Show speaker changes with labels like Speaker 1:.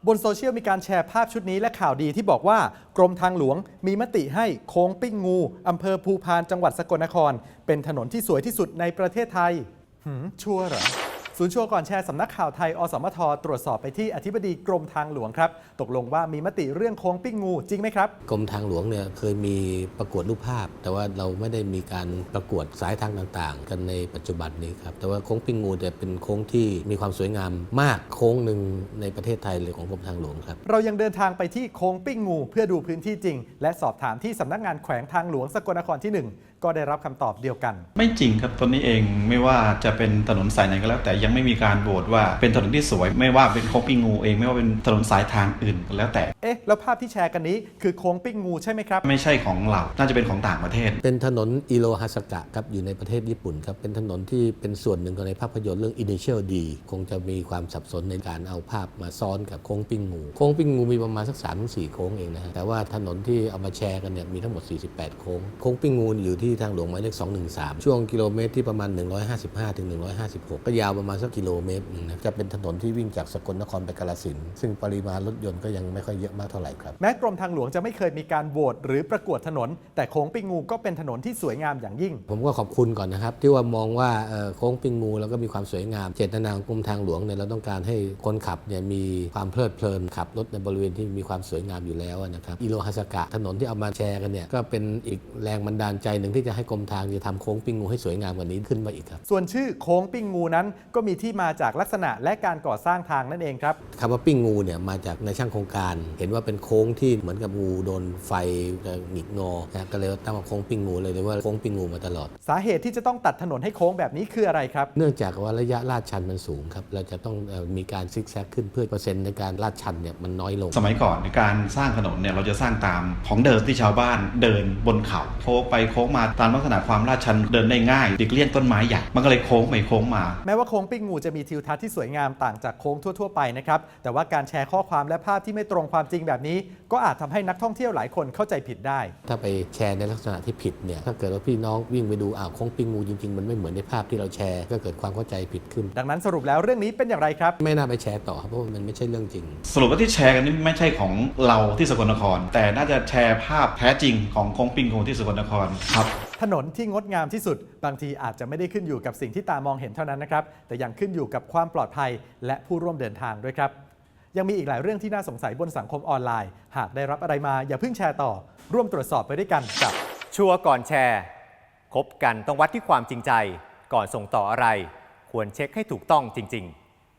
Speaker 1: บนโซเชียลมีการแชร์ภาพชุดนี้และข่าวดีที่บอกว่ากรมทางหลวงมีมติให้โค้งปิ้งงูอำเภอภูพานจังหวัดสกลนครเป็นถนนที่สวยที่สุดในประเทศไทยชัวร์เหรอศูนย์ชัวร์ก่อนแชร์สำนักข่าวไทยอสมทตรวจสอบไปที่อธิบดีกรมทางหลวงครับตกลงว่ามีมติเรื่องโค้งปิ้งงูจริงไหมครับ
Speaker 2: กรมทางหลวงเนี่ยเคยมีประกวดรูปภาพแต่ว่าเราไม่ได้มีการประกวดสายทางต่างๆกันในปัจจุบันนี้ครับแต่ว่าโค้งปิ้งงูจะเป็นโค้งที่มีความสวยงามมากโค้งหนึ่งในประเทศไทยเลยของกรมทางหลวงครับ
Speaker 1: เรายังเดินทางไปที่โค้งปิ้งงูเพื่อดูพื้นที่จริงและสอบถามที่สำนักงานแขวงทางหลวงสกลนครที่ 1ก็ได้รับคำตอบเดียวกัน
Speaker 3: ไม่จริงครับตอนนี้เองไม่ว่าจะเป็นถนนสายไหนก็แล้วแต่ยังไม่มีการโหวตว่าเป็นถนนที่สวยไม่ว่าเป็นโค้งปิ้งงูเองไม่ว่าเป็นถนนสายทางอื่นก็แล้วแต่
Speaker 1: แล้วภาพที่แชร์กันนี้คือโค้งปิ้งงูใช่ไหมครับ
Speaker 3: ไม่ใช่ของเราน่าจะเป็นของต่างประเทศ
Speaker 2: เป็นถนนอิโรฮาสกะครับอยู่ในประเทศญี่ปุ่นครับเป็นถนนที่เป็นส่วนหนึ่งของในภาพยนตร์เรื่อง Initial D คงจะมีความสับสนในการเอาภาพมาซ้อนกับโค้งปิ้งงูโค้งปิ้งงูมีประมาณสัก 3-4 โค้งเองนะฮะแต่ว่าถนนที่เอามาแชร์กันเนี่ยมีทั้งหมด48โค้งโค้งปิ้งงูอยู่ที่ทางหลวงหมายเลข213ช่วงกิโลเมตรที่ประมาณ155ถึง156ก็ยาวประมาณสักกิโลเมตรนึงนะจะเป็นถนนที่วิ่งจากสกลนครไปกาฬสินธุ์ซึ่งปริมาณรถยนต์ก็ยังไม่ค่อยเยอะมากเท่าไหร่ครับ
Speaker 1: แม้กรมทางหลวงจะไม่เคยมีการโหวตหรือประกวดถนนแต่โค้งปิ้งงูก็เป็นถนนที่สวยงามอย่างยิ่ง
Speaker 2: ผมก็ขอบคุณก่อนนะครับที่ว่ามองว่าโค้งปิ้งงูแล้วก็มีความสวยงามเจตนาของกรมทางหลวงเนี่ยเราต้องการให้คนขับเนี่ยมีความเพลิดเพลินขับรถในบริเวณที่มีความสวยงามอยู่แล้วนะครับอิโรฮาสกะถนนที่เอามาแชร์กันเนี่ยก็เป็นอีกแรงบันดาลใจหนึ่งที่จะให้กรมทางจะทำโค้งปิ้งงูให้สวยงามกว่านี้ขึ้นมาอีกครับ
Speaker 1: ส่วนชื่อโค้งปิ้งงูนั้นก็มีที่มาจากลักษณะและการก่อสร้างทางนั่นเองครับ
Speaker 2: คำว่าปิ้งงูเนี่ยมาจากในช่างโครงการเห็นว่าเป็นโค้งที่เหมือนกับงูโดนไฟหงิกงอนะก็เลยตั้งว่าโค้งปิ้งงูเลยเรียกว่าโค้งปิ้งงูมาตลอด
Speaker 1: สาเหตุที่จะต้องตัดถนนให้โค้งแบบนี้คืออะไรครับ
Speaker 2: เนื่องจากว่าระยะลาดชันมันสูงครับเราจะต้องมีการซิกแซกขึ้นเพื่อเปอร์เซ็นต์ในการลาดชันเนี่ยมันน้อยลง
Speaker 3: สมัยก่อนในการสร้างถนนเนี่ยเราจะสร้างตามของเดิมที่ชาวบ้านเดินบนเขาโค้งไปโค้งมาตามลักษณะความลาดชันเดินได้ง่ายหลีกเลี่ยงต้นไม้ใหญ่มันก็เลยโค้งไปโค้งมา
Speaker 1: แม้ว่าโค้งปิ้งงูจะมีทิวทัศน์ที่สวยงามต่างจากโค้งทั่วๆไปนะครับแต่ว่าการแชร์ข้อความและภาพที่ไม่ตรงความจริงแบบนี้ก็อาจทำให้นักท่องเที่ยวหลายคนเข้าใจผิดได้
Speaker 2: ถ้าไปแชร์ในลักษณะที่ผิดเนี่ยถ้าเกิดว่าพี่น้องวิ่งไปดูโค้งปิ้งงูจริงๆมันไม่เหมือนในภาพที่เราแชร์ก็เกิดความเข้าใจผิดขึ้น
Speaker 1: ดังนั้นสรุปแล้วเรื่องนี้เป็นอย่างไรครับ
Speaker 2: ไม่น่าไปแชร์ต่อครับเพราะมันไม่ใช่เรื่องจริง
Speaker 3: สรุปว่าที่แชร์กันนี่ไม่ใช่ของเราที่สกลนครแต่น่าจะแชร์ภาพแท้จริงของโค้งปิ้งงูที่สกลนครครับ
Speaker 1: ถนนที่งดงามที่สุดบางทีอาจจะไม่ได้ขึ้นอยู่กับสิ่งที่ตามองเห็นเท่านั้นนะครับแต่ยังขึ้นอยู่กับความปลอดภัยและผู้ร่วมเดินทางด้วยครับยังมีอีกหลายเรื่องที่น่าสงสัยบนสังคมออนไลน์หากได้รับอะไรมาอย่าเพิ่งแชร์ต่อร่วมตรวจสอบไปด้วยกันกับ
Speaker 4: ชัวร์ก่อนแชร์คบกันต้องวัดที่ความจริงใจก่อนส่งต่ออะไรควรเช็คให้ถูกต้องจริงๆ